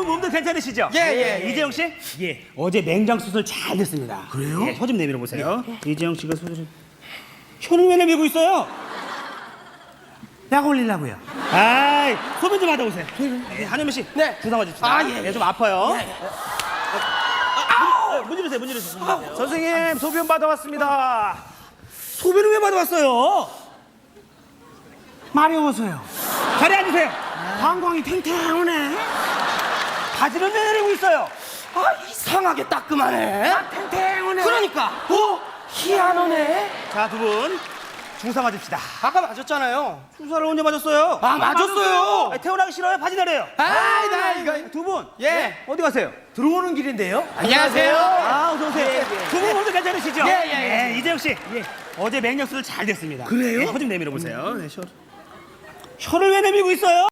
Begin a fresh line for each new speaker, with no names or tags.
분 몸도 괜찮으시죠?
예.
이재영 씨? 예. 어제 맹장 수술 잘 됐습니다. 그래요? 예, 혀 좀 내밀어 보세요. 이재영 씨가 수술. 혀를 왜 내밀고 있어요? 약 올리려고요. 아이, 소변 좀 하다 오세요. 예, 한현민 씨.
네.
주사 맞읍시다.
예.
좀 아파요. 문 열으세요, 문 열으세요.
선생님 소변 받아왔습니다.
소변을 왜 받아왔어요?
마려워서요.
자리에 앉으세요.
방광이 탱탱하네.
바지를 왜 내리고 있어요?
아, 이상하게 따끔하네.
탱탱하네.
그러니까. 희한하네.
자, 두 분 주사 맞읍시다.
아까 맞았잖아요.
주사를 언제 맞았어요?
아, 맞았어요.
태어나기 싫어요? 바지 내려요.
아이, 나 이거.
두 분.
예.
어디 가세요?
들어오는 길인데요. 안녕하세요.
아, 어서 오세요. 두 분 모두 괜찮으시죠?
예.
이재영 씨. 어제 맹력 수술 잘 됐습니다.
그래요?
혀 좀 내밀어 보세요. 혀를 왜 내밀고 있어요?